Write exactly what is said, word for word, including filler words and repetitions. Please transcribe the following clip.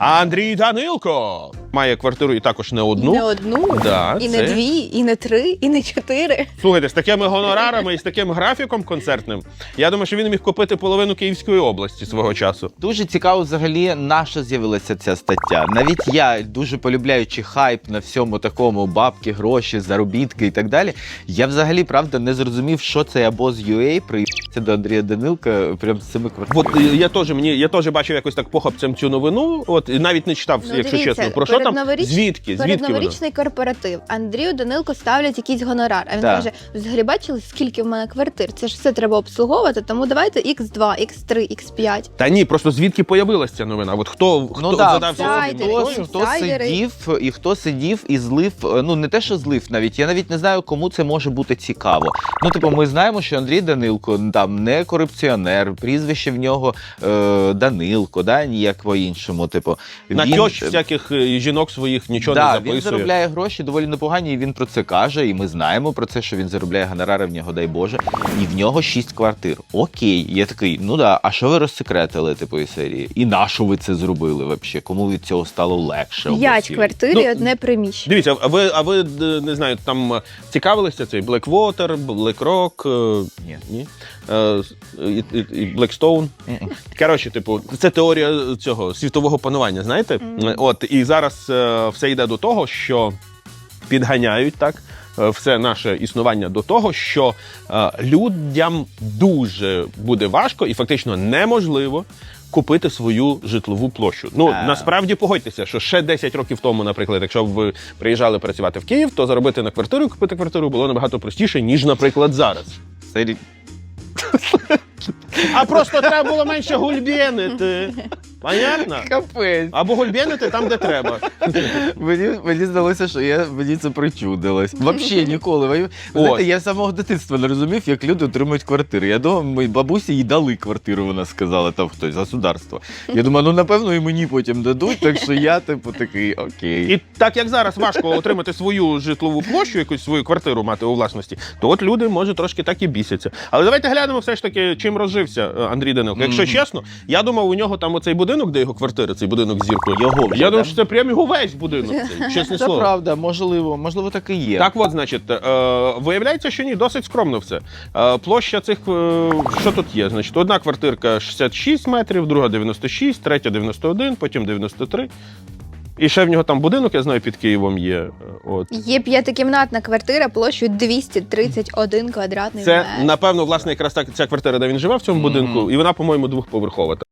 А Андрій Данилко має квартиру і також не одну. Не одну, Да, і це... не дві, і не три, і не чотири. Слухайте, з такими гонорарами і з таким графіком концертним, я думаю, що він міг купити половину Київської області свого часу. Дуже цікаво взагалі, на що з'явилася ця стаття. Навіть я, дуже полюбляючи хайп на всьому такому, бабки, гроші, заробітки і так далі, я взагалі, правда, не зрозумів, що цей обоз ю ей приїхався до Андрія Данилка прям з цими квартирами. От я теж мені я теж бачив якось так похапцем цю новину. От і навіть не читав, Ну, якщо дивіться, чесно. Про що там? передноворіч- Звідки? Звідки воно? Передноворічний корпоратив. Андрію Данилку ставлять якийсь гонорар. А він Так. каже: взагалі бачили, скільки в мене квартир? Це ж все треба обслуговувати, тому давайте ікс два, ікс три, ікс п'ять. Та ні, просто звідки появилася ця новина? От хто, хто Ну да, задався сайдери, цим хто, питанням? хто інсайдери. сидів і хто сидів і злив, ну не те, що злив навіть, я навіть не знаю, кому це може бути цікаво. Ну, типу, ми знаємо, що Андрій Данилко там не корупціонер, прізвище в нього е, Данилко, да, ніяк по-іншому. Типу, На він- тьощ всяких е, жінок своїх нічого да, не записує. він заробляє гроші доволі непогані, і він про це каже, і ми знаємо про це, що він заробляє гонорари в нього, дай Боже, і в нього шість квартир. Окей, я такий, ну да, а що ви розсекретили, типу, із серії? І на що ви це зробили взагалі? Кому від цього стало легше? П'ять обосі? квартир Ну, і одне приміщення. Дивіться, а ви, а ви е, не знаю, там е, цікавилися цей Blackwater, BlackRock, е, Ні. ні? Е, і, і, і Blackstone. Мгм. Коротше, типу, це теорія цього світового панування, знаєте? Мгм. От, і зараз е, все йде до того, що підганяють так е, все наше існування до того, що е, людям дуже буде важко і фактично неможливо купити свою житлову площу. Ну, А. насправді, погодьтеся, що ще десять років тому, наприклад, якщо б ви приїжджали працювати в Київ, то заробити на квартиру, купити квартиру було набагато простіше, ніж, наприклад, зараз. Сері- А просто треба було менше гульбєнити. Понятно? Капець. Або гульбєнити там, де треба. Мені, мені здалося, що я, мені це причудилось. Взагалі ніколи. Ви знаєте, Ось. я з самого дитинства не розумів, як люди отримують квартири. Я думав, моїй бабусі їй дали квартиру, вона сказала, там хтось, государство. Я думаю, ну напевно і мені потім дадуть, так що я типу такий, окей. І так як зараз важко отримати свою житлову площу, якусь свою квартиру мати у власності, то от люди, може, трошки так і бісяться. Але давайте глянемо все ж таки, чим розжився е, Андрій Данилко. Якщо Мгм. чесно, я думав, у нього там оцей будинок, де його квартира, цей будинок з зіркою. Його вже, Я думав, да? що це прям його весь будинок. Цей, чесне Це слово. правда, можливо, можливо, так і є. Так от, значить, е, виявляється, що ні, досить скромно все. Е, площа цих, е, що тут є? Значить, одна квартирка шістдесят шість метрів, друга дев'яносто шість, третя дев'яносто один, потім дев'яносто три. І ще в нього там будинок, я знаю, під Києвом є. е, От. Є п'ятикімнатна квартира площею двісті тридцять один квадратний Це, метр. напевно, власне, якраз так ця квартира, де він живе в цьому Мгм. будинку, і вона, по-моєму, двохповерхова.